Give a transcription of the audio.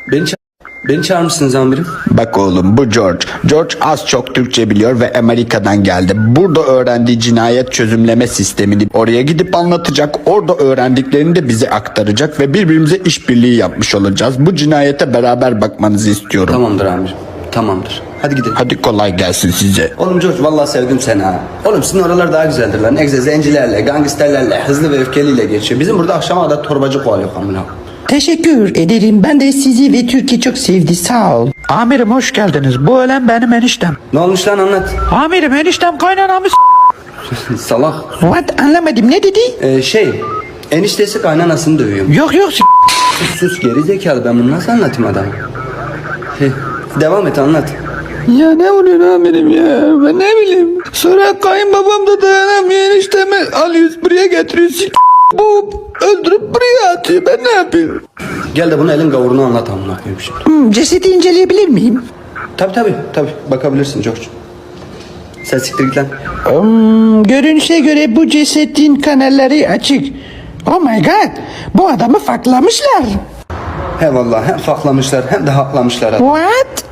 Beni çağırmışsınız amirim. Bak oğlum, bu George. George az çok Türkçe biliyor ve Amerika'dan geldi. Burada öğrendiği cinayet çözümleme sistemini oraya gidip anlatacak. Orada öğrendiklerini de bize aktaracak ve birbirimize işbirliği yapmış olacağız. Bu cinayete beraber bakmanızı istiyorum. Tamamdır amirim. Tamamdır. Hadi gidelim. Hadi kolay gelsin size. Oğlum George vallahi sevdim seni ha. Oğlum sizin oralar daha güzeldir lan. Egze zencilerle, gangsterlerle, hızlı ve öfkeliyle geçiyor. Bizim burada akşama kadar torbacı kovalıyor amına. Teşekkür ederim. Ben de sizi ve Türkiye çok sevdi. Sağ ol. Amirim hoş geldiniz. Bu ölen benim eniştem. Ne olmuş lan anlat. Amirim eniştem kaynanamı Salak. What? Anlamadım. Ne dedi? Eniştesi kaynanasını dövüyor. Yok Sus geri zekalı, ben bunu nasıl anlatayım adamı? Devam et anlat. Ya ne oluyor amirim ya? Ben ne bileyim. Sonra kayınbabam da dayanamıyor, eniştemi alıyoruz buraya getiriyoruz. Bu öldürüp buraya atıyor. Ben ne yapayım? Gel de bunu elin gavurunu anlat amına koyayım şimdi. Cesedi inceleyebilir miyim? Tabi bakabilirsin George. Sen siktir git lan. Görünüşe göre bu cesedin kanalları açık. Oh my god. Bu adamı faklamışlar. He vallahi hem faklamışlar hem de haklamışlar. What?